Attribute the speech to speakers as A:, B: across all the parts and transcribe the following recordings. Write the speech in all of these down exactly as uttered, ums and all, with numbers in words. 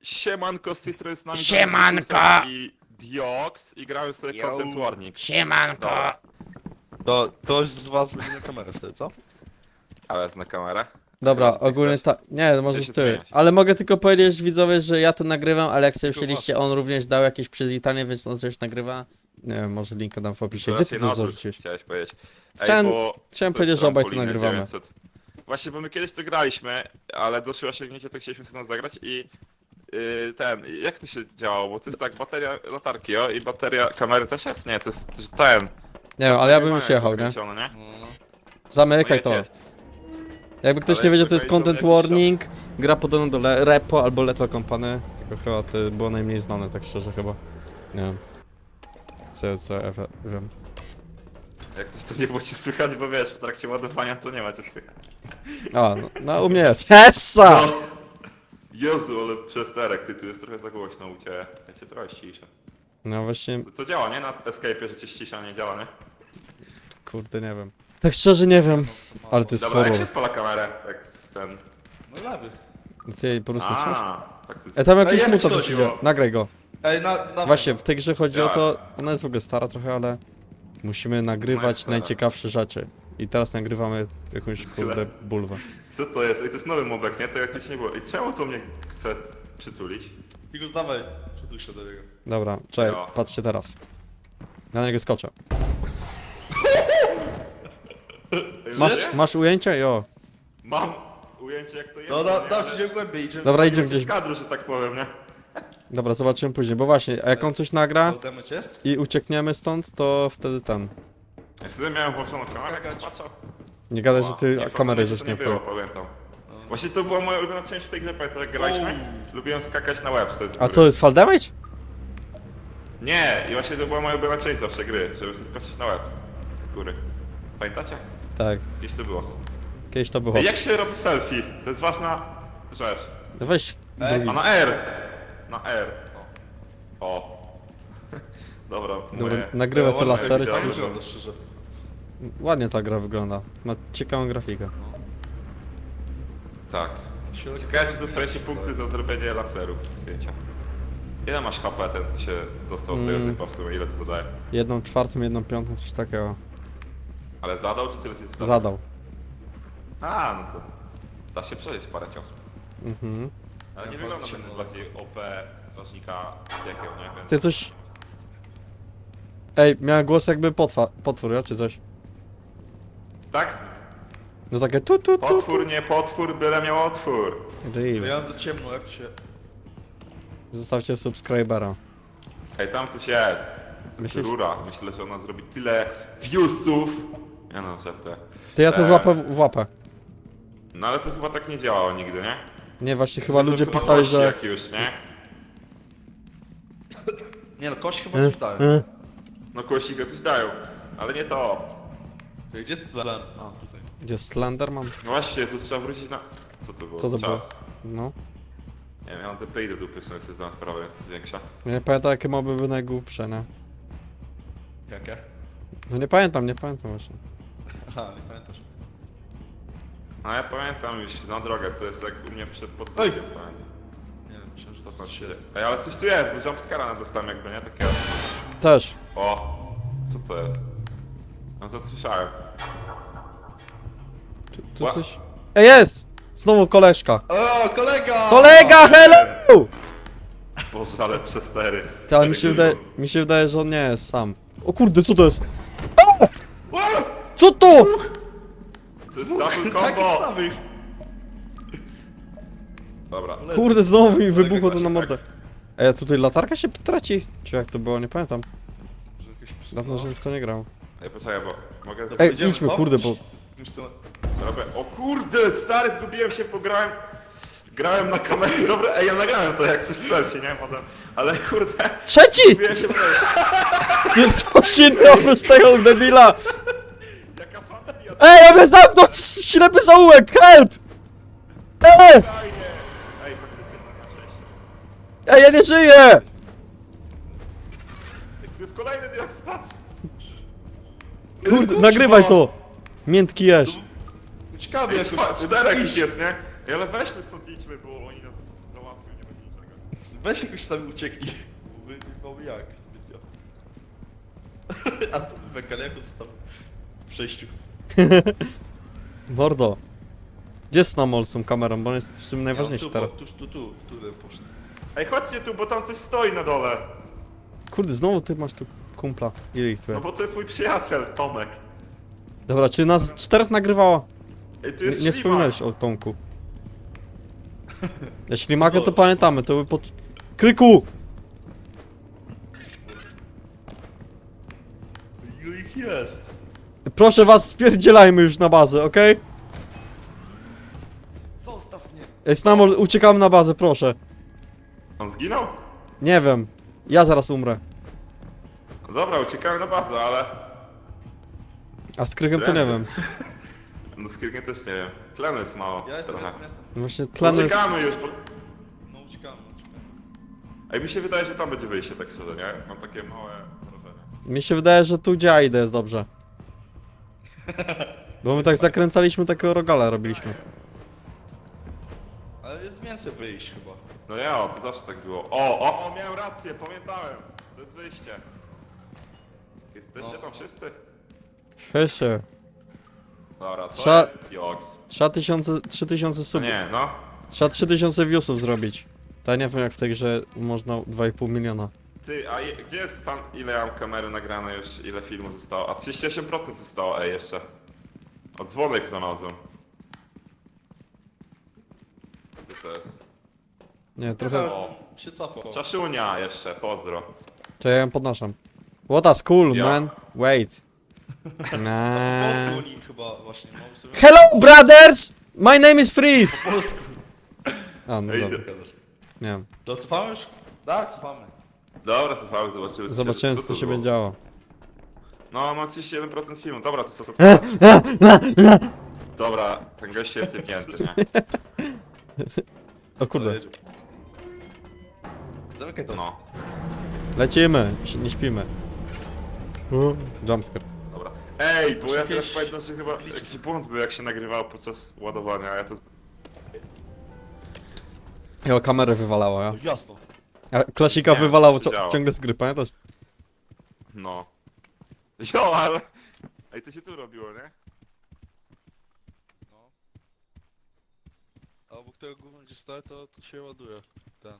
A: Siemanko, z tej strony z nami
B: Siemanko!
A: i Diox i grałem sobie
C: Yo.
A: Content Warning.
B: Siemanko!
A: Dobra,
C: To ktoś z was będzie na kamerę wtedy, co?
A: ale na kamerę.
D: Dobra,
A: Chyba, że ty
D: ogólnie
A: chcesz.
D: tak. Nie, no możesz
A: się
D: ty.
A: zmieniać.
D: Ale mogę tylko powiedzieć widzowie, że ja to nagrywam, ale jak sobie
C: Tu
D: wzięliście, on również dał jakieś przywitanie, więc on coś nagrywa. Nie wiem, może linka dam w opisie. Gdzie ty
A: Raczej na
D: to
A: odwrót
D: zarzuciłeś?
A: Chciałeś powiedzieć. Ej,
D: Chciałem-
A: bo
D: chciałem
A: to
D: powiedzieć,
A: jest
D: że obaj to
A: trampoliny
D: nagrywamy.
A: dziewięćset. Właśnie, bo my kiedyś to graliśmy, ale doszło osiągnięcie, to chcieliśmy sobie zagrać i yy, ten, jak to się działało? Bo to jest tak, bateria latarki, o, i bateria kamery też jest? Nie, to jest to jest ten.
D: Nie wiem, ale ja bym już jechał, nie?
A: Kręcione, nie?
D: Zamykaj
A: No
D: to.
A: jedź, jedź.
D: Jakby ktoś
A: Ale
D: nie wiedział,
A: jak
D: to jest
A: wygraliśmy
D: Content
A: jakiś czas.
D: Warning. Gra podobno do Le Repo albo Lethal Company. Tylko chyba to było najmniej znane, tak szczerze chyba. Nie wiem. Co, co, ja wiem.
A: Jak coś to nie było ci słychać, bo wiesz, w trakcie ładowania to nie ma cię słychać.
D: A, no, no u mnie jest. Hessa!
A: No. Jezu, ale przesterek, ty tu jest trochę za głośno u ciebie. Ja cię trochę ściszę.
D: No właśnie,
A: To działa, nie? Na Escape'ie, że cię ścisia, nie działa, nie?
D: kurde, nie wiem. Tak szczerze nie wiem, ale to jest
A: Dobra, jak
D: horror.
A: się odpala kamerę? Tak z ten...
C: No lewy.
D: Ty jej po prostu trzymasz?
A: A, faktycznie.
D: E, tam
C: Ej,
D: jakiś
C: jak
D: mutant
C: to
D: już idzie.
A: było?
D: Nagraj go.
C: Ej, na, na
D: Właśnie, w tej grze chodzi o
A: Tak.
D: to, ona jest w ogóle stara trochę, ale musimy
A: No jest
D: nagrywać
A: stara.
D: najciekawsze rzeczy. I teraz nagrywamy jakąś kurde bulwę.
A: Co to jest? Ej, to jest nowy mobek, nie? To jakieś nie było. I czemu to mnie chce przytulić?
C: Figus, dawaj. Przytul się do niego.
D: Dobra, czekaj,
A: No.
D: patrzcie teraz. Na niego skoczę.
A: Ej,
D: Masz,
A: żyje?
D: masz ujęcie? Jo.
A: Mam ujęcie jak to jest.
C: No,
A: nie?
C: da, dam
A: Ale-
C: się głębiej, idziemy.
D: Dobra,
A: Nie
D: idziemy
A: gdzieś
D: gdzieś.
A: w kadru, że tak powiem, nie?
D: Dobra, zobaczymy później, bo właśnie, a jak on coś nagra
C: To damage jest?
D: i uciekniemy stąd, to wtedy ten.
A: Ja wtedy miałem włączoną kamerę, jak
C: Skakać.
A: patrzał.
D: Nie gadaj, że
A: Nie,
D: ty
A: to
D: kamerę
A: nie
D: żeś nie
A: było,
D: wpłył.
A: pamiętam. Właśnie to była moja ulubiona część w tej grze, pamiętam jak graliśmy? Lubiłem skakać na łeb sobie z
D: A
A: góry.
D: co, jest fall damage?
A: Nie, i właśnie to była moja ulubiona część zawsze gry, żeby sobie skoczyć na łeb z góry. Pamiętacie?
D: Tak,
A: Gdzieś to było.
D: kiedyś to było.
A: Ej, jak się robi selfie? To jest ważna rzecz.
D: No weź
C: Ej,
D: drugi.
A: A na R! Na R. O. Dobra,
D: Dobra,
A: moje...
D: nagrywa te
A: moje
D: lasery czy
A: widziałem.
D: coś?
C: Wygląda szczerze.
D: Ładnie ta gra wygląda. Ma ciekawą grafikę.
A: Tak. Ciekawe, czy dostajecie punkty za zrobienie laseru zdjęcia. Ile masz H P ten, co się dostał od tego
D: Mm.
A: typa w sumie? Ile to zadaje?
D: Jedną czwartą, jedną piątą, coś takiego.
A: Ale zadał, czy tyle ci zadał?
D: Zadał.
A: A, no to... Da się przejść parę ciosów.
D: Mhm.
A: Ale nie
C: Ja
A: wygląda
C: bardzo
A: ten
C: cię
A: bardziej O P strażnika piekieł, nie? Więc...
D: Ty coś... Ej, miałem głos jakby potwa, potwór, ja, czy coś?
A: Tak?
D: No takie tu tu tu.
A: Potwór, nie potwór, byle miał otwór.
C: To
D: Real.
C: ja mam za ciemno, jak to się...
D: Zostawcie subskrybera.
A: Ej, tam coś jest. To jest
D: Myślisz?
A: rura. Myślę, że ona zrobi tyle viewsów. Ja no, żartuję.
D: Ty ja to
A: Eee.
D: złapę w, w łapę.
A: No ale to chyba tak nie działało nigdy, nie?
D: Nie, właśnie chyba
A: To
D: ludzie
A: chyba
D: pisali,
A: kości
D: że...
A: Jak już, nie?
C: Nie no, kości chyba
D: E,
C: coś dają.
D: e.
A: No kościga coś dają. Ale nie to.
C: Gdzie jest Sven? A, tutaj.
D: Gdzie Slenderman?
A: No właśnie, tu trzeba wrócić na... Co to było?
D: Co to
A: Czas.
D: było? No.
A: Nie wiem, ja mam te play do dupy, w sumie sobie zdałem sprawę, jest większa.
D: Ja nie pamiętam jakie moby były najgłupsze, nie?
C: Jakie?
D: No nie pamiętam, nie pamiętam właśnie.
C: Aha, nie pamiętasz.
A: No ja pamiętam już na drogę, to jest jak u mnie przed
C: Ej!
A: podwórkiem, pamiętam.
C: Nie wiem, myślałem, że
A: Co
C: to
A: tam
C: coś
A: się dzieje?
C: jest.
A: Ej, ale coś tu jest, bo jumpscara dostałem jakby, nie? Takie...
D: Też.
A: O! Co to jest? No to słyszałem.
D: Tu, tu
A: Ła-
D: coś... Ej, jest! Znowu koleżka.
C: O, kolega!
D: Kolega, hello!
A: Boże, ale przestery.
D: Ty, ale mi się, wydaje, mi się wydaje, że on nie jest sam. O kurde, co to jest? A! Co to?
A: To jest double
C: Takich
A: combo!
C: samych!
A: Dobra.
D: Kurde, znowu mi wybuchło to na mordę. Ej, a tutaj latarka się traci? Czy jak to było? Nie pamiętam.
C: Że jakieś
D: Dawno, żebym w to nie grał.
A: Ej, poczekaj, bo mogę...
D: Ej,
C: Idziemy,
D: idźmy,
C: co?
D: kurde, bo...
C: Już to...
A: Robię... O kurde, stary, zgubiłem się, pograłem... Grałem na kamerze, dobra, ej, ja nagrałem to jak coś selfie, nie? Potem... Ale kurde,
D: Trzeci!
A: zgubiłem się, bo...
D: To jest coś innego oprócz tego debila!
A: Jaka familia,
D: Ej, ja mnie zamknął w ślepy zaułek, help! Ej!
A: fajnie! Ej, faktycznie to na szczęście.
D: Ej, ja nie żyję!
A: To jest kolejny diak, patrz!
D: Kurde, nagrywaj to! Miętki jesz.
C: Ciekawie
A: Ej,
C: jakoś...
A: czwa- czterech ich jest, nie? Ej, ale weźmy stąd idźmy, bo oni nas załatwią, nie będzie niczego.
C: Weź jakoś tam ucieknij. Bo my nie mamy jak zbytnio. A to Bekal jak on tam w przejściu.
D: Mordo. Gdzie jest Snamol z tą kamerą, bo on jest w tym najważniejszy
C: Ja, tu,
D: teraz.
C: po- tu, tu, tu, tu, tu poszedł.
A: Ej, chodźcie tu, bo tam coś stoi na dole.
D: Kurde, znowu ty masz tu kumpla. Ile ich tu
A: No
D: jest?
A: bo to jest mój przyjaciel, Tomek.
D: Dobra, czy nas czterech nagrywało?
A: Ej, tu
D: Nie,
A: jest
D: nie
A: ślimak.
D: wspominałeś o Tomku. Jeśli Mago to pamiętamy, to by pod... Kryku!
C: Ilu ich jest?
D: Proszę was, spierdzielajmy już na bazę, okej?
A: Zostaw mnie.
D: Ej, Snamol, uciekamy na bazę, proszę.
A: On zginął?
D: Nie wiem. Ja zaraz umrę.
A: No dobra, uciekamy na bazę, ale...
D: A z Krykiem to nie wiem.
A: No z Kirkiem też nie wiem. Tlenu jest mało.
C: Ja jestem,
A: trochę.
C: jestem, jestem.
D: Właśnie tlenu jest...
A: Uciekamy już, bo...
C: No uciekamy, uciekamy.
A: Ej, mi się wydaje, że tam będzie wyjście, tak szczerze, nie? Mam takie małe wrażenie.
D: Mi się wydaje, że tu gdzie ja idę jest dobrze. Bo my tak zakręcaliśmy, takiego rogala robiliśmy.
C: Ale jest więcej wyjść chyba.
A: No ja, o, to zawsze tak było. O, o, o, miałem rację, pamiętałem. To jest wyjście. Jesteście
C: No.
A: tam wszyscy?
D: Hesie.
A: Dobra, to
D: Trza-
A: jest Joks.
D: Trzeba tysiące, trzy tysiące
A: No
D: subów.
A: nie, no.
D: Trzeba trzy tysiące viewsów zrobić. To ja nie wiem jak w tej grze można dwa i pół miliona.
A: Ty, a je, gdzie jest tam, ile ja mam kamery nagrane już, ile filmu zostało? A trzydzieści osiem procent zostało, ej, jeszcze. O, dzwonek znalazłem. Co to jest?
D: Nie, trochę...
A: O.
C: Się cofał.
A: Czaszunia jeszcze, pozdro.
D: To ja ją podnoszam. What a school,
A: Ja.
D: man. Wait.
C: Po
D: Nah.
C: polsku oni chyba właśnie. Mam sobie...
D: Hello, brothers! My name is Freeze!
C: Po polsku.
D: A, no
A: Ej,
D: dobra.
C: Gadasz.
D: Nie wiem.
C: To cofamy już? Tak, cofamy.
A: Dobra, słuchaj, zobaczymy.
D: Zobaczymy co
A: tu
D: się
A: było.
D: będzie działo.
A: No, mam trzydzieści jeden procent filmu, dobra, to są... Dobra, ten gość jest jebnięty, nie?
D: O kurde.
C: Jedziemy. Zamykaj to.
A: No,
D: Lecimy, si- nie śpimy. U, Jumpscare.
A: dobra. Ej, bo ja
C: Jakieś-
A: teraz pamiętam, że chyba jakiś błąd był, jak się nagrywało podczas ładowania, a ja to...
D: Jego kamerę wywalało, ja.
C: No jasno.
D: A klasika
A: Nie,
D: wywalało
A: to
D: cio-
A: działa.
D: ciągle z gry, pamiętasz?
A: No. Jo, ale... Ej, to się tu robiło, nie?
C: No. A obok tego gówna gdzie stoi to, to się ładuje. Ten.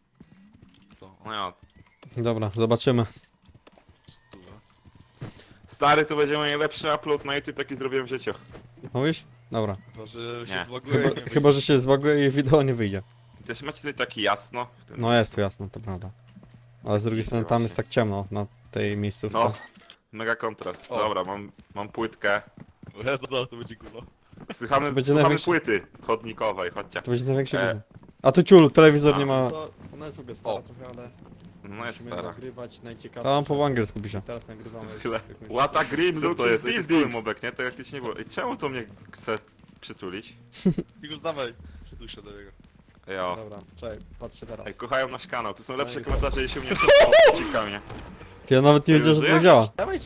C: To.
A: No ja.
D: Dobra, zobaczymy.
C: Stówę.
A: Stary, to będzie najlepszy upload na YouTube, jaki zrobiłem w życiu.
D: Mówisz? Dobra.
C: Chyba, że się
A: Nie.
C: zbaguje
D: Chyba,
C: i nie
D: chyba że się zbaguje i wideo nie wyjdzie.
A: Też macie tutaj taki jasno. w tym-
D: No jest tu jasno, to prawda. Ale z drugiej strony tam jest tak ciemno na tej miejscówce.
A: No, mega kontrast.
C: O.
A: Dobra, mam, mam płytkę.
C: wyjdzie. No, no, to będzie gówno.
A: Słuchamy,
D: To będzie
A: słuchamy
D: największy-
A: płyty chodnikowej, chodźcie.
D: To będzie największy
A: E.
D: gówno. A tu ciul, telewizor
A: A.
D: nie ma...
B: To ona jest w ogóle stara
C: O.
B: trochę, ale
A: No jest
B: musimy
A: stara.
B: nagrywać najciekawsze.
D: To mam po angielsku pisze.
B: Teraz nagrywamy już
A: Tyle.
B: jakąś-
A: Łata green, co to jest? Ej, to jest
C: Big.
A: były mobek, nie? To jakieś nie było. I czemu to mnie chce przytulić?
C: Figur, dawaj. Przytul się do niego.
A: Jo.
B: Dobra, czekaj, patrzę teraz.
A: Ej, kochają nasz kanał, tu są lepsze
B: No i co?
A: komentarze, jeśli u mnie przeciwka mnie.
D: Ty ja nawet nie
A: Ty
D: wiedziałem, że to tak
A: żyjesz?
D: działa.
B: Dawaj!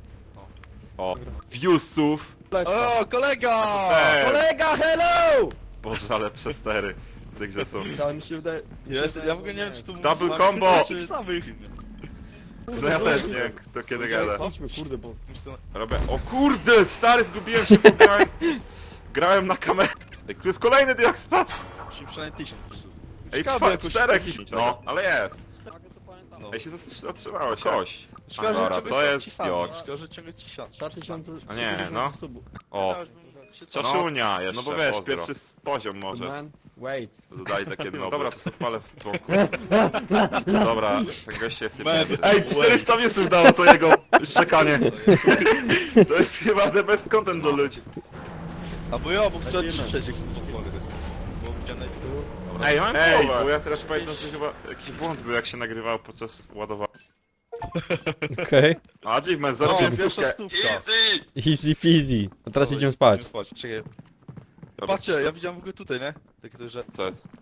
A: O, viewsów.
B: Leszka.
C: O, kolega!
A: Eee,
B: Kolega, hello!
A: Boże, ale przestery w tej grze są.
B: Cały mi się wydaje... mi się
C: Ja,
B: wydaje,
C: ja w
B: że
C: ogóle nie wiem czy tu
A: Double
C: mamy
A: combo!
C: tych samych.
A: No ja też nie wiem, kto kiedy gada.
B: Idźmy, kurde, bo...
A: Robię. O kurde, stary, zgubiłem się, bo grałem, grałem na kamerę. Ej, tu jest kolejny diakspad.
C: Musimy przynajmniej tysiąc.
A: Ej,
C: Ciekawe,
A: trwa,
C: jakoś-
A: czterech
C: jakoś-
A: ich. No, ale jest.
B: Tak, to pamiętam.
C: No.
A: Ej, się zatrzymało się. Koś.
C: Szkoda, że
A: Dobra,
C: ciągle
A: to
C: są
A: jest
C: ci sami.
A: Joks.
C: Szkoda, że ciągle ci sami.
B: Dwa tysiące...
A: A nie, no.
B: subów.
A: O,
C: Ja już bym się cofał.
A: czaszunia jeszcze, no bo wiesz, pozdro. pierwszy poziom może.
B: Man, wait.
A: Dodali takie no. Dobra, to sobie odpalę w dzwonku. Dobra, ten gość jest
C: Man.
A: jebnięty. Ej, czterysta viewsów dało to jego szczekanie. To jest chyba the best content do ludzi.
C: A bo ja mógł strzelić
B: Lecimy.
C: trzeciek z pomogę. Bo widziałem na
A: Ej, mam Ej, bo ja teraz pamiętam, że chyba jakiś błąd był, jak się nagrywało podczas ładowania.
D: Okej.
A: A, Achievement,
C: O,
A: zarobiłem
C: pierwsza
A: stówkę.
C: stówka.
A: Easy!
D: Easy peasy. A teraz
C: Oj,
D: idziemy spać.
C: Czekaj.
A: Dobra.
C: Patrzcie, ja widziałem w ogóle tutaj, nie? Takie coś, że...
A: Co jest?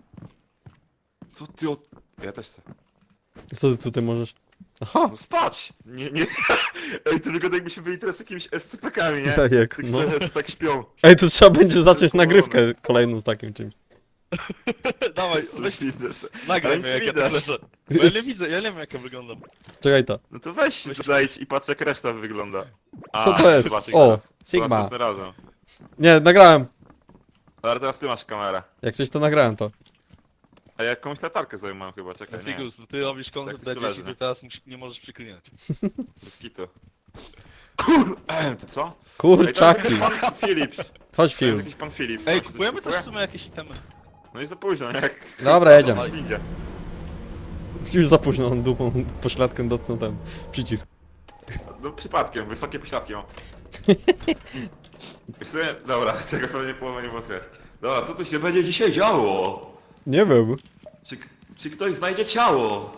A: Co ty od... Ja też chcę.
D: Co ty tutaj możesz? Aha!
A: No spać! Nie, nie. Ej, to wygląda jakbyśmy byli teraz jakimiś S C P kami, nie?
D: Jajek,
A: Tak
D: no.
A: sobie tak śpią.
D: Ej, to trzeba będzie zacząć nagrywkę kolejną z takim czymś.
C: Dawaj, weź, nagraj
A: Ale
C: mnie
A: nic
C: jak ja to
A: widać.
C: leżę. Bo ja nie widzę, ja nie wiem jak ja wyglądam.
D: Czekaj to.
A: No to weź się zejdź i patrz jak reszta wygląda. A,
D: Co to jest?
A: zobaczyk
D: O,
A: teraz.
D: Sigma.
A: To następnym razem.
D: Nie, nagrałem.
A: Ale teraz ty masz kamerę.
D: Jak coś to nagrałem to.
A: A ja jakąś latarkę sobie mam chyba, czekaj, nie.
C: Figus, ty robisz
A: Tak
C: kontent
A: to
C: dla dzieci,
A: leży.
C: ty teraz musi- nie możesz przyklinać.
A: Bez kitu. Kur... Ty co? Ej, to
D: Kurczaki.
A: jest jakiś pan Philips.
D: Chodź
A: To jest
D: film.
A: jakiś pan Philips.
C: Ej,
A: Coś
C: kupujemy też w
A: kupuje?
C: sumie jakieś itemy.
A: No i za późno, nie? Jak...
D: Dobra, jedziemy.
A: Dawaj, idzie.
D: Już za późno, on dupą pośladkiem dotknął ten przycisk.
A: No przypadkiem, wysokie pośladki mam. Wiesz co, dobra, tego pewnie połowę nie było słychać. Dobra, co tu się będzie dzisiaj działo?
D: Nie wiem.
A: Czy, czy ktoś znajdzie ciało?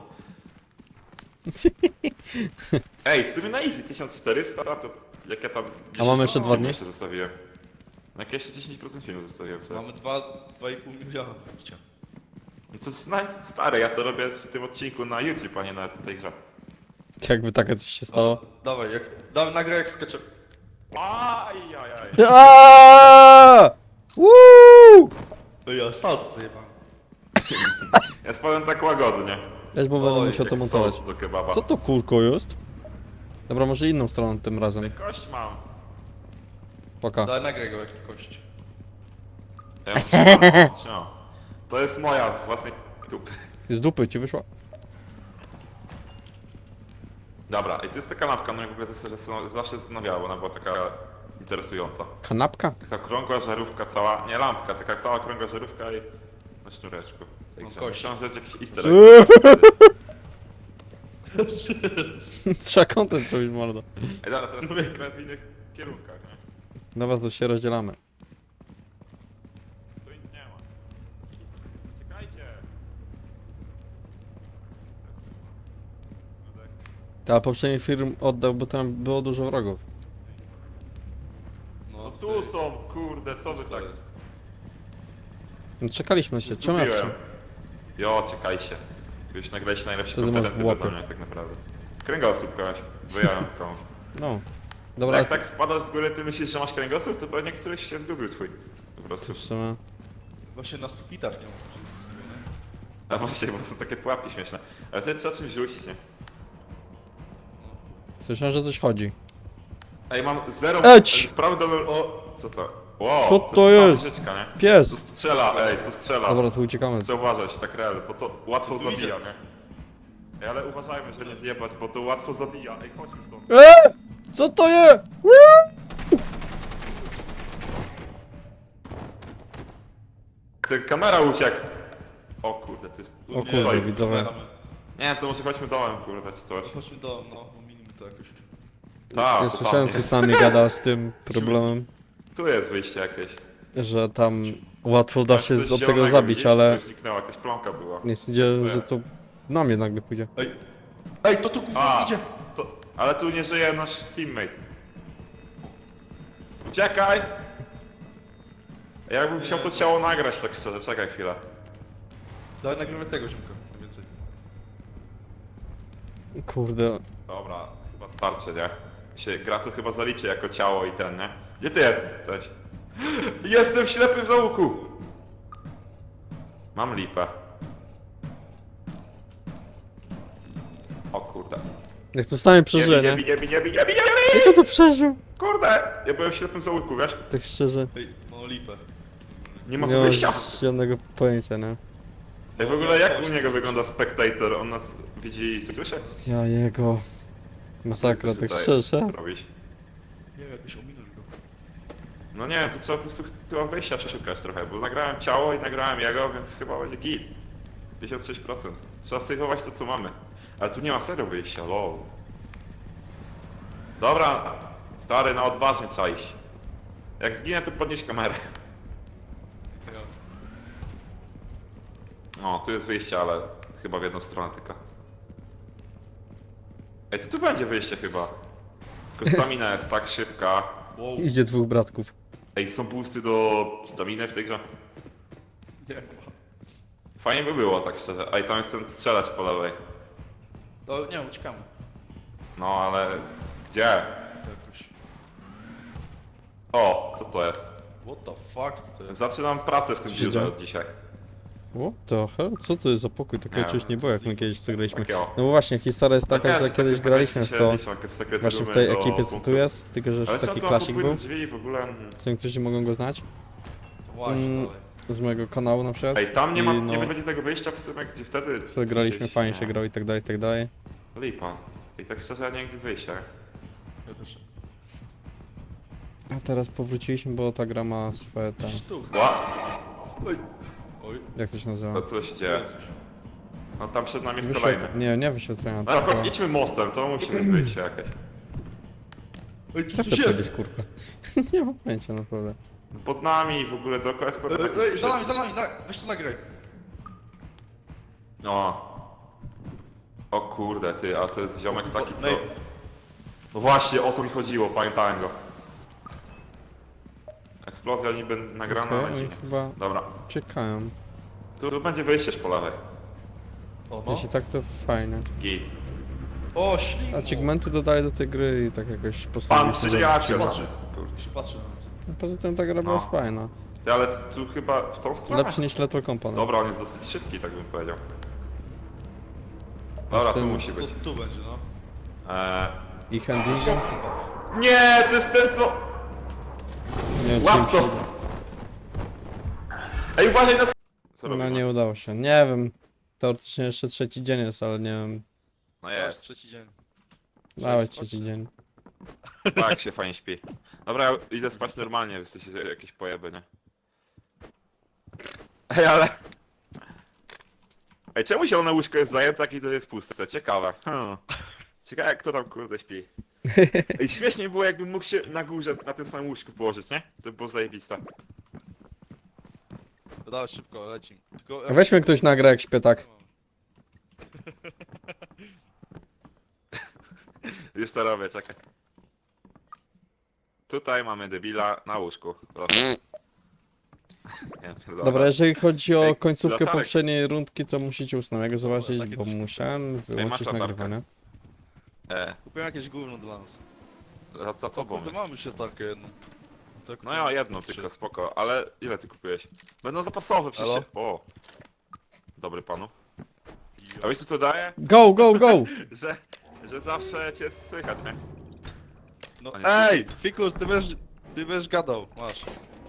A: Ej, w sumie na easy tysiąc czterysta, to jak ja tam...
D: A mamy jeszcze dwa dni?
A: Jeszcze zostawiłem. No jak jeszcze dziesięć procent filmu zostawiłem sobie.
C: Mamy dwa i pół miliona bicia.
A: No to jest na... stare, ja to robię w tym odcinku na YouTube, a nie na tej grze.
D: Jakby takie coś się stało.
C: Dawaj, jak, dawaj, nagraj jak skaczę.
A: Aj, aj, aj.
D: Aaaa! Woo!
C: Ej, ja salto zajebałem.
A: Ja spadłem tak łagodnie.
D: Weź, bo będę
C: Oj,
D: musiał to
A: Jak
D: montować.
A: sos do kebaba.
D: Co to kurko jest? Dobra, może inną stroną tym razem.
A: Kość mam.
D: Poka.
C: Dawaj, nagraj go jak kość.
A: Ja mam trzymam. To jest moja z własnej dupy.
D: Z dupy ci wyszła?
A: Dobra, i to jest ta kanapka, no i w ogóle to jest, że zawsze zastanawiała, bo ona była taka interesująca.
D: Kanapka?
A: Taka krągła żarówka cała, nie lampka, taka cała krągła żarówka i na sznureczku. Także
C: kość.
A: myślałem, że jest jakiś easter egg.
D: Trzeba content robić, mordo.
A: Ej, dobra, teraz jesteśmy w innych kierunkach, nie?
D: Dobra, to się rozdzielamy.
A: Tu nic nie ma. Czekajcie!
D: Ale poprzedni film oddał, bo tam było dużo wrogów.
A: No tu są, kurde, co wy tak?
D: No, czekaliśmy się, czemu ja
A: Zgubiłem.
D: wciąż?
A: Jo, czekajcie. Już nagraliście najlepsze
D: Co ty masz w
A: konferencje
D: łapie?
A: do mnie, tak naprawdę. Kręgosłup kogoś, wyjąłem tą.
D: No. Dobra,
A: Jak
D: ale
A: tak spadasz z góry, ty myślisz, że masz kręgosłup, to pewnie któryś się zgubił twój. Po
D: to
A: prostu.
D: w sumie...
C: Właśnie na sufitach nie mam sobie, nie?
A: A właściwie, bo są takie pułapki śmieszne. Ale wtedy trzeba czymś rzucić, nie?
D: Słyszałem, że coś chodzi.
A: Ej, mam zero...
D: Eć!
A: Prawy dolny... O, co to? Wow,
D: Co to jest?
A: Rzeczka, nie? Tu
D: Pies!
A: strzela, ej, tu strzela.
D: Dobra, to uciekamy.
A: Trzeba uważać, tak real, bo to łatwo
C: Tu idzie.
A: zabija, nie? Ej, ale uważajmy, że nie zjebać, bo to łatwo zabija. Ej, chodźmy stąd.
D: Eee! Co to jest?
A: Ten kamera uciekł. O kurde, to jest...
D: O
A: Co
D: kurde,
A: jest?
D: widzowie.
A: Nie, to może chodźmy dołem, kurde, czy coś.
C: Chodźmy do, no, ominimy to jakoś.
A: Tak,
D: Ja słyszałem, co z nami gada z tym problemem,
A: Tu jest wyjście jakieś.
D: że tam łatwo da się
A: Coś
D: z- od tego
A: zielonego
D: zabić,
A: widzisz?
D: ale
A: Coś zniknęła, jakaś plomka była.
D: nie sądzę, że to na mnie nagle pójdzie.
C: Ej! Ej, to tu kurwa
A: A,
C: idzie!
A: to, ale tu nie żyje nasz teammate. Uciekaj! Ja bym chciał to ciało nagrać tak szczerze, czekaj chwilę.
C: Dawaj, nagrywaj tego ziomka, najwięcej.
D: Kurde.
A: Dobra, chyba starczy, nie? Się, gra tu chyba zaliczy jako ciało i ten, nie? Gdzie ty jesteś? Jestem w ślepym załuku! Mam lipę. O kurde.
D: Jak to stanie
A: Nie
D: przeżyje,
A: bij, nie
D: nie?
A: bij, nie bij, nie bij, nie bij, nie bij!
D: Jak on to przeżył?
A: Kurde! Ja byłem w ślepym załuku, wiesz?
D: Tak szczerze.
C: Ej, no lipę.
A: Nie ma
D: Nie mam
A: wyjścia.
D: żadnego pojęcia, nie?
A: Ej, w ogóle jak u niego wygląda spectator? On nas widzi i słyszy?
D: Ja jego... Masakra, tak
A: Tutaj
D: szczerze.
A: zrobić?
C: Nie wiem, jakoś ominąć go.
A: No nie, to trzeba po prostu chyba wyjścia przeszukać trochę, bo nagrałem ciało i nagrałem jego, więc chyba będzie git. pięćdziesiąt sześć procent. Trzeba sejwować to, co mamy. Ale tu nie ma serio wyjścia, lol. Dobra, stary, na odważnie trzeba iść. Jak zginę, to podnieś kamerę. O, tu jest wyjście, ale chyba w jedną stronę tylko. Ej, to tu będzie wyjście chyba. Tylko stamina jest tak szybka.
C: Wow,
D: Idzie dwóch bratków.
A: Ej, są boosty do staminy w tej grze?
C: nie ma.
A: Fajnie by było, tak szczerze. Ej, tam jest ten strzelacz po lewej.
C: No, nie wiem, uciekamy.
A: No, ale... Gdzie?
C: Jakoś.
A: O, co to jest?
C: What the fuck, co to jest?
A: Zaczynam pracę w
D: Co
A: tym
D: się
A: biurze
D: dzieje?
A: od dzisiaj.
D: What the hell? Co to jest za pokój? Takiego
A: Nie
D: czegoś
A: wiem,
D: nie było, jak my kiedyś to graliśmy.
A: Takiego.
D: No bo właśnie, historia jest taka,
A: Chociaż
D: że kiedyś
A: takie
D: graliśmy w
A: się
D: to
A: liczą, jakieś sekrety
D: właśnie w
A: rumy
D: tej
A: do
D: ekipie, co tu
A: punktu.
D: jest, tylko że
A: Ale
D: jeszcze
A: trzeba
D: taki
A: tam
D: klasik był,
A: podpłynąć drzwi w ogóle.
D: co niektórzy mogą go znać,
C: To właśnie,
D: Mm.
C: dalej.
D: z mojego kanału na przykład.
A: Ej, tam nie ma,
D: I
A: nie
D: no,
A: będzie tego wyjścia w sumie, gdzie wtedy...
D: co graliśmy,
A: gdzieś,
D: fajnie
A: nie.
D: się grało i tak dalej, i tak dalej.
A: Lipa. I tak szczerze, ja nie wiem, gdzie wyjście.
C: Ja też.
D: A teraz powróciliśmy, bo ta gra ma swoje tam...
C: Tu.
A: Ła!
C: Oj. Oj.
D: Jak to się nazywa?
A: To co się dzieje?
C: Jezus.
A: No tam przed nami jest
D: Wyświetl...
A: kolejny.
D: Nie, nie wyświetlenia,
A: No to
D: tylko...
A: idźmy mostem, to musi być wyjście jakieś.
C: Oj,
D: Co
C: tu
D: chcę
C: coś
D: powiedzieć,
C: jest.
D: kurka? Nie mam pojęcia, naprawdę.
A: Pod nami w ogóle dookoła jest
C: Ej,
A: pod...
C: ej, za nami, za nami, na, weź to nagraj.
A: O. O kurde, ty, a to jest ziomek taki, co...
C: Nate.
A: No właśnie, o to mi chodziło, pamiętałem go. Eksplozja niby nagrana,
D: Okej,
A: ale
D: oni
A: nie.
D: chyba
A: Dobra,
D: czekają.
A: tu, tu będzie wyjście po lewej.
C: O, no.
D: Jeśli tak, to fajnie.
A: Git.
C: O, ślimu.
D: Achievementy dodali do tej gry i tak jakoś
A: Pan
D: postanowiliśmy
A: przyjaciel.
D: zrobić.
C: Patrzę.
A: Kurde.
C: się patrzy na nas.
D: No, poza tym ta gra była
A: No.
D: fajna.
A: Ty, ale tu chyba w tą stronę.
D: Lepszy niż Lethal Company.
A: Dobra, on jest dosyć szybki, tak bym powiedział. Dobra, tu
D: Jestem-
A: musi
C: Tu,
A: być.
C: tu będzie, no.
A: Eee...
D: I handlingiem?
A: Nie, to jest ten co...
D: Nie wiem, czy
A: Łap
D: im
A: to!
D: się...
A: Ej, uważaj na... Co
D: No
A: robimy?
D: nie udało się. Nie wiem. Teoretycznie jeszcze trzeci dzień jest, ale nie wiem.
A: No
C: Aż
A: jest,
C: trzeci dzień.
D: Nawet
C: spać.
D: trzeci dzień.
A: tak się fajnie śpi. Dobra, ja idę spać normalnie, wy jesteście jakieś pojeby, nie? Ej, ale... Ej, czemu zielone łóżko jest zajęte, jak i to jest puste? Ciekawe. Hmm. Ciekawe, jak kto tam kurde śpi. Ej, śmiesznie było, jakbym mógł się na górze, na tym samym łóżku położyć, nie? To by było zajebiste.
C: Dawaj szybko, lecim. Tylko...
D: Weźmy ktoś na grę jak śpię tak.
A: Już to robię, czekaj. Tutaj mamy debila na łóżku. Proszę. Nie, pierdolę.
D: Dobra, jeżeli chodzi o
A: Ej,
D: końcówkę
A: latarek.
D: poprzedniej rundki, to musicie ósmego zobaczyć,
C: takie
D: bo
C: coś.
D: musiałem wyłączyć
A: latarkę.
D: nagrywanie.
A: E,
C: Kupiłem jakieś gówno dla nas.
A: za, za
C: O
A: tobą.
C: kurde, mamy się takie jedno. Tak,
A: No ja jedno tylko, spoko, ale ile ty kupiłeś? Będą zapasowe przecież.
C: Halo?
A: się- O! Dobry panu. A wiesz co to daje?
D: Go, go, go!
A: Że, że zawsze cię słychać, nie?
C: No,
A: A nie.
C: ej! Fikus, ty będziesz... Ty będziesz gadał, masz.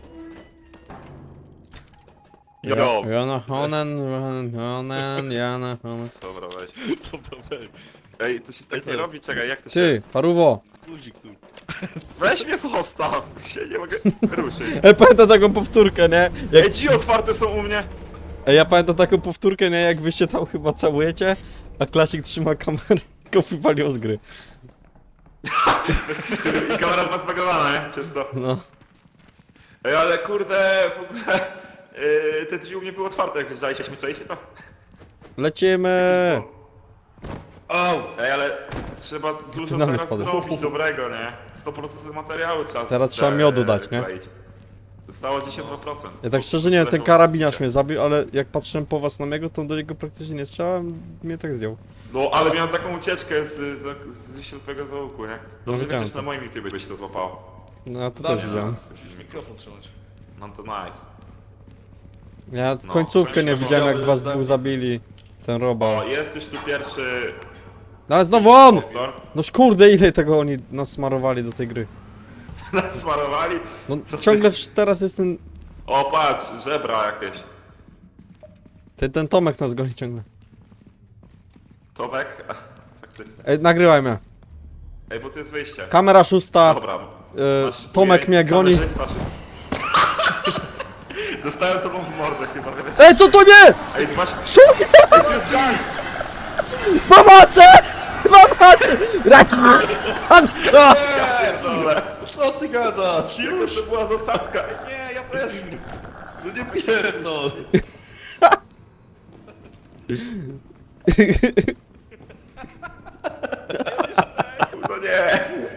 A: Jo!
D: Jana Honen, Honen, Jana Honen.
A: Dobra, weź.
C: Dobra, weź.
A: Ej, to się
C: Ej,
A: tak
C: to
A: nie
C: jest-
A: robi, czekaj, jak to się...
D: Ty, paruwo!
C: Guzik tu.
A: Weź mnie zostaw! Się nie mogę ruszyć.
D: Ej, pamiętam taką powtórkę, nie? Jak...
A: Ej, drzwi otwarte są u mnie!
D: Ej, ja pamiętam taką powtórkę, nie? Jak wy się tam chyba całujecie, a Klasik trzyma kamerę i go wypaliło z gry.
A: I kamera ma zbagowana, nie? Czysto.
D: No.
A: Ej, ale kurde, w ogóle... Yy, te drzwi u mnie były otwarte, jak zjeżdżaliśmy, czaiście to?
D: Lecimy!
C: Au!
A: Ej, ale trzeba dużo
D: na mnie
A: teraz
D: spadło.
A: zrobić dobrego, nie? sto procent materiału trzeba
D: Teraz
A: z-
D: trzeba
A: e,
D: miodu dać, nie?
A: kleić. Zostało dziesięć procent.
D: Ja tak szczerze nie wiem, ten karabiniarz mnie zabił, ale jak patrzyłem po was na niego, to do niego praktycznie nie strzelałem, mnie tak zdjął.
A: No, ale miałem taką ucieczkę z, z, z ślepego załuku, nie?
D: No,
A: Dobrze,
D: widziałem
A: chociaż
D: to.
A: na moim YouTube byś to złapało.
D: No ja to
C: Damian,
D: też widziałem.
C: Musisz mikrofon trzymać.
A: No to nice.
D: Ja
A: No,
D: końcówkę nie
A: weźmy
D: widziałem, jak
C: go,
D: was
C: żeby
D: dwóch zabili. Ten
A: O,
D: robał.
A: jest już tu pierwszy...
D: No ale znowu on!
A: impostor.
D: No kurde, ile tego oni nas smarowali do tej gry.
A: Nas smarowali.
D: No
A: Co ty?
D: ciągle w- teraz jest ten...
A: O, patrz, żebra jakieś.
D: Ten, ten Tomek nas goni ciągle.
A: Tomek? A, tak ty.
D: Ej, nagrywaj mnie.
A: Ej, bo to jest wyjście.
D: Kamera szósta.
A: Dobra.
D: E,
A: Masz-
D: Tomek
A: ujej,
D: mnie goni.
A: kamerzysta się- Dostałem tobą w mordę chyba.
D: Ej, co to nie?
A: Ej, masz...
D: Co nie?
A: Ej, to jest gang!
D: Pomocy! Pomocy! Raki! Anka!
A: Pierdolę.
C: Co ty gadasz?
A: Jaka
C: Już?
A: to była zasadzka? Ej, nie, ja też.
C: No nie pierdol.
A: No nie.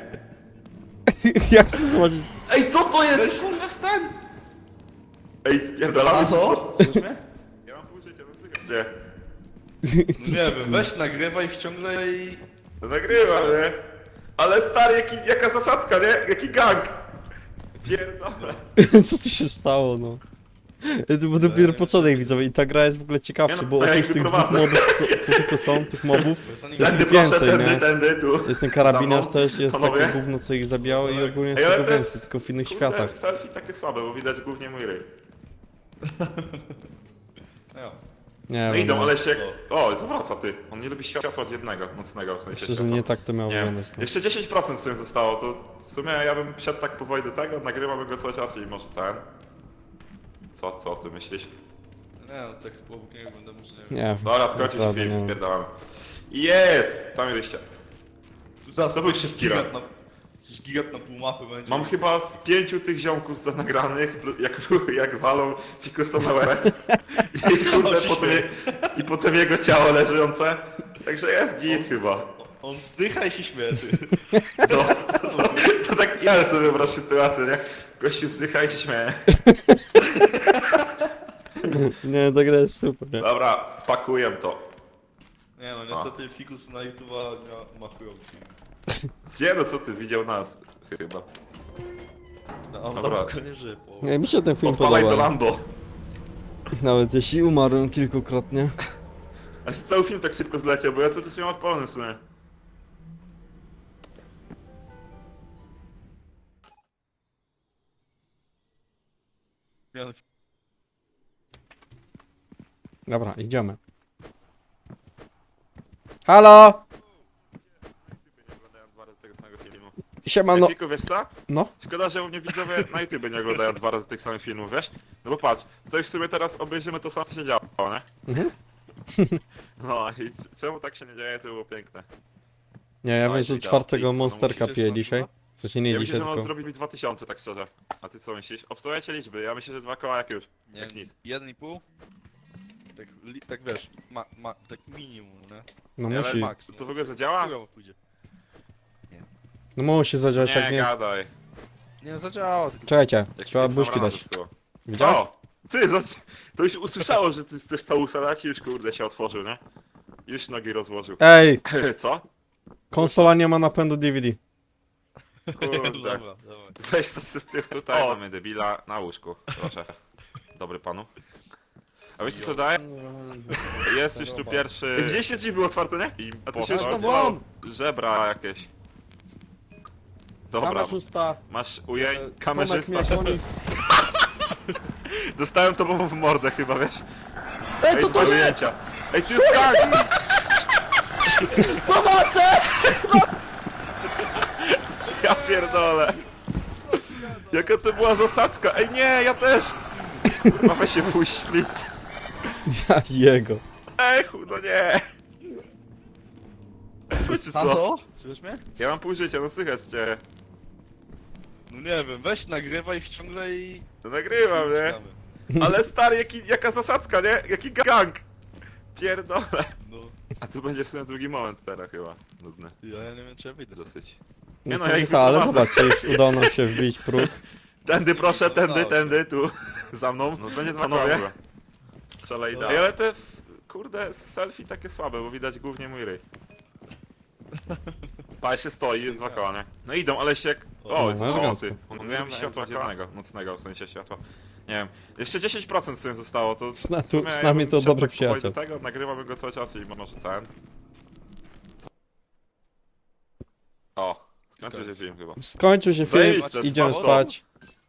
D: Jak chcę zobaczyć...
A: Ej, co to jest? Kurwa, wstań! Ej, spierdalamy
C: A
A: się,
C: co?
A: co? Ja mam pół życia, no słychać. Gdzie?
C: Nie wiem, weź nagrywaj ich ciągle i...
A: No nagrywam, nie? Ale stary, jaki, jaka zasadzka, nie? Jaki gang! Pierdolę.
D: Co tu się stało, no? To był dopiero początek widzowie i ta gra jest w ogóle ciekawsza,
A: Nie no,
D: bo
A: to ja
D: oprócz
A: ich
D: tych dwóch
A: wyprowadzę.
D: modów, co, co tylko są, tych mobów,
C: Bo jest
D: to jest
A: Tędy
D: ich
A: proszę,
D: więcej,
A: tędy,
D: nie?
A: tędy, tu.
D: Jest ten karabinarz
A: Za mną.
D: też, jest
A: Panowie?
D: takie gówno, co ich zabijało i ogólnie jest
A: Ej, ale
D: tego
A: te-
D: więcej, tylko w innych
A: Kurde,
D: światach.
A: selfie takie słabe, bo widać głównie mój ryj.
C: No.
D: Nie
A: No
D: wiem,
A: idą,
D: no.
A: ale się... O, zawraca ty. On nie lubi światła od jednego, nocnego w sensie.
D: Myślę, że
A: światła.
D: nie tak to miało
A: Nie wiem.
D: wyglądać. No.
A: Jeszcze dziesięć procent w sumie zostało, to w sumie ja bym wszedł tak powoli do tego, nagrywamy go cały czas i może ten... Co, co ty myślisz?
C: Nie no, tak obok niego będę może nie wiem.
D: Nie wiem.
A: Dobra, skończył się
D: naprawdę,
A: film,
D: nie.
A: spierdalamy. Jest! Tam jesteście.
C: Tu zaraz
A: To był
C: jakiś
A: szybki
C: gigant
A: run.
C: na... Jakiś gigant na pół mapy będzie.
A: Mam chyba z pięciu tych ziomków za nagranych, jak, jak walą fikusa na łeb. I kurde, potem, je, i potem jego ciało leżące. Także jest git chyba.
C: On zdycha i się śmieje, ty.
A: No, to, to tak ja sobie wyobraź sytuację, nie? Gościu zdycha i się śmieje.
D: Nie, ta gra jest super, nie?
A: Dobra, pakuję to.
C: Nie no, niestety Fikus na YouTube'a ma, ma chujowy film.
A: Gdzie no co ty, widział nas chyba.
C: No, on
A: Dobra.
C: za nie żyje, po...
D: Nie, mi się ten film
A: Odpalaj to
D: podoba.
A: Lambo.
D: Nawet jeśli umarłem kilkukrotnie.
A: Aż cały film tak szybko zleciał, bo ja cały czas miałem odpalony w sumie.
C: Nie, no,
D: Dobra, idziemy. Halo!
A: Nie oglądają dwa razy tego samego filmu.
D: Siemano.
A: Ej, Fiku, wiesz co?
D: No,
A: Szkoda, że u mnie widzowie na YouTube nie oglądają dwa razy tych samych filmów, wiesz? No bo patrz, to już w sumie teraz obejrzymy to samo, co się działo, nie?
D: Mhm.
A: No i czemu tak się nie dzieje, to było piękne.
D: nie, ja
A: No
D: wiem,
A: i
D: że
A: widać,
D: czwartego
A: no
D: monsterka
C: musisz
D: piję
C: jeszcze
D: dzisiaj.
C: raz,
D: W sensie nie
A: Ja
D: dzisiaj,
A: myślę, że mam
D: tylko...
A: zrobić dwa tysiące, tak szczerze. A ty co myślisz? Obstawiajcie liczby, ja myślę, że dwa koła jak już.
C: nie,
A: Jak nic.
C: jeden i pół. Tak, li, tak wiesz, ma, ma, tak minimum, nie?
D: No
A: Ale
D: musi,
C: Max,
A: To w ogóle zadziała?
C: Chujowo pójdzie.
D: no musi zadziałać, jak
A: Nie,
D: nie...
A: gadaj.
C: Nie no, zadziała, tylko...
D: Czekajcie,
A: Jak
D: trzeba
A: mi
D: buźki
A: rano
D: dać.
A: zepsuło.
D: Widziałeś?
A: O! Ty, zobacz, to już usłyszało, że ty chcesz to usadać i już kurde się otworzył, nie? Już nogi rozłożył.
D: Ej,
A: Co?
D: konsola nie ma napędu D V D.
A: Kurde.
C: Dobra, dawaj.
A: Weź to z tym tutaj. O, mamy debila na łóżku, proszę. Dobry panu. A wiecie co daje? Jest już tu pierwszy... Widzieliście, drzwi były otwarte, nie? I a to się
D: Poszło.
A: już
D: Won!
A: żebra jakieś. Dobra,
D: Kamerzysta.
A: masz ujęć,
D: e, Tomek
A: kamerzysta.
D: mnie goni.
A: Dostałem tobą w mordę chyba, wiesz?
D: Ej, co
A: dwa
D: to jest?
A: ujęcia. Ej, ty jest gang!
D: Pomocy!
A: Ja pierdolę. Jaka to była zasadzka? Ej, nie, ja też! Kurwa, weź się puść, please.
D: Ja jego.
A: Ej, chu, no nie! Wiecie co?
C: Halo? Słyszysz mnie?
A: Ja mam pół życia, no słychać cię.
C: No nie wiem, weź nagrywaj ich ciągle i...
A: To nagrywam, nie?
C: Czekamy.
A: Ale stary, jaki, jaka zasadzka, nie? Jaki gang! Pierdolę.
C: No,
A: A tu będzie w sumie drugi moment teraz chyba. Nudny.
C: ja, ja nie wiem czy ja wyjdę.
A: Dosyć.
D: Nie
A: Nie
D: no,
A: no, ja ich
D: ta, ale
A: wyprowadzę.
D: zobaczcie, już udało nam się wbić próg.
A: Tędy proszę, tędy,
C: Udało się.
A: tędy, tu. Za mną. No będzie dwa panowie. Strzelaj dalej. Ale te, f- kurde, selfie takie słabe, bo widać głównie mój ryj. Pa się stoi, jest dwa koła, nie? No idą, ale się jak... O,
D: No,
A: jest
D: elegancko.
A: nocy. On miałem światła dziennego, nocnego, w sensie światła. Nie wiem. Jeszcze dziesięć procent w sumie zostało, to...
D: Z, na,
A: w sumie
D: tu, z
A: ja
D: nami
A: bym
D: to
A: szedł
D: dobry
A: tak powoli
D: przyjaciel.
A: do tego, nagrywamy go cały czas i może ten... O, skończył się film chyba.
D: Skończył się film,
A: Zajebiste,
D: idziemy
A: spoko.
D: spać.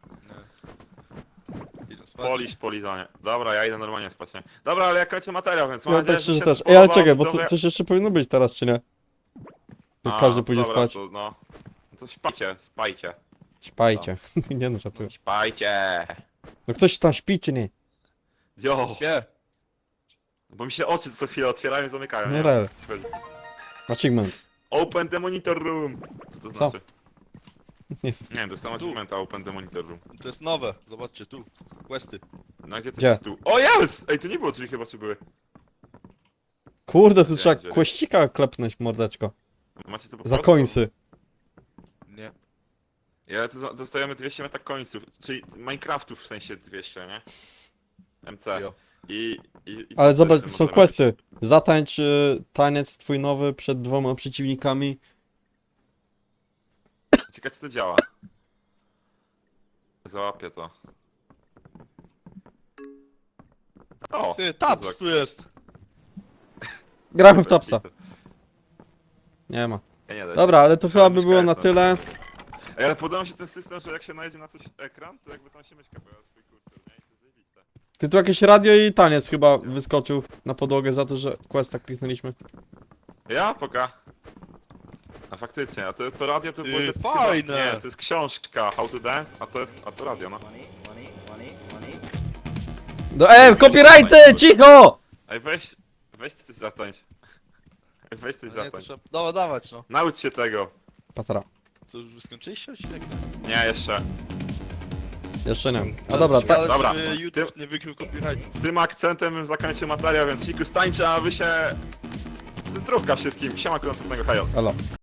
C: Idę spać.
A: Polisz, polizanie. Dobra, ja idę normalnie spać, nie? Dobra, ale ja kończę materiał, więc mam
D: No
A: nadzieję,
D: tak
A: że
D: szczerze
A: się
D: też. Ej, ale
A: podobało,
D: czekaj, bo to
A: widzowie.
D: coś jeszcze powinno być teraz, czy nie? Jak
A: A,
D: każdy pójdzie
A: dobra,
D: spać.
A: To, no. No to śpajcie, spajcie.
D: Śpajcie. Nie no, żartuję.
A: Śpajcie!
D: No ktoś tam śpi, czy nie?
A: Jo!
C: Nie,
A: Bo mi się oczy co chwilę otwierają i zamykają,
D: No
A: nie?
D: rel. Achievement.
A: Open the monitor room! Co to
D: Co?
A: znaczy?
D: Nie
A: Nie wiem, dostałem achievementa Open the monitor room.
C: to jest nowe, zobaczcie tu, questy.
A: No gdzie to
D: Gdzie?
A: jest tu? O jest! Ej, tu nie było drzwi chyba, czy były?
D: Kurde, tu
A: Gdzie,
D: trzeba
A: gdzie?
D: kłościka klepnąć, mordeczko.
A: Macie to po
D: Za
A: prostu?
D: końsy.
C: Nie.
A: Ja tu za- dostajemy dwieście meta końców, czyli Minecraftów w sensie dwieście, nie? M C.
C: Jo.
A: I, i, i
D: Ale
A: co
D: zobacz,
A: jeszcze
D: są
A: możemy
D: questy. Zatańcz y, taniec twój nowy przed dwoma przeciwnikami.
A: robić? Ciekawe czy to działa. Załapię to. O!
C: Ty, taps
A: Kozak.
C: tu jest!
D: Gramy w Topsa. Nie ma.
A: Ja nie da się.
D: Dobra, ale to chyba by
A: myszka
D: było
A: jest
D: na
A: na-
D: tyle.
A: Ej, ale podoba mi się ten system, że jak się najedzie na coś ekran, to jakby tam się myszka pojawia swój kursor, nie? I to jest zajebiste.
D: Ty tu jakieś radio i taniec chyba wyskoczył na podłogę za to, że questa kliknęliśmy.
A: Ja? Poka. A faktycznie, a to, to radio to
C: Ty,
A: było... te-
C: fajne!
A: Chyba, nie, to jest książka How to Dance, a to jest, a to radio, no.
D: No e, copyrighty! Cicho!
A: Ej, weź, weź coś zatańcz. Ej, weź coś
C: No nie, to
A: zatańcz.
C: trzeba... Dawa, dawać no.
A: Naucz się tego.
D: Patera.
C: Co, już skończyliście odcinek?
A: Nie, jeszcze.
D: Jeszcze nie. A dobra, ta...
C: Ale
A: Dobra.
C: żeby YouTube nie wykrył copyrightu.
A: Tym akcentem bym zakończył materiał, więc Fikus tańczy, a wy się... Zdrówka wszystkim. Siema, do następnego, hejos.
D: Elo.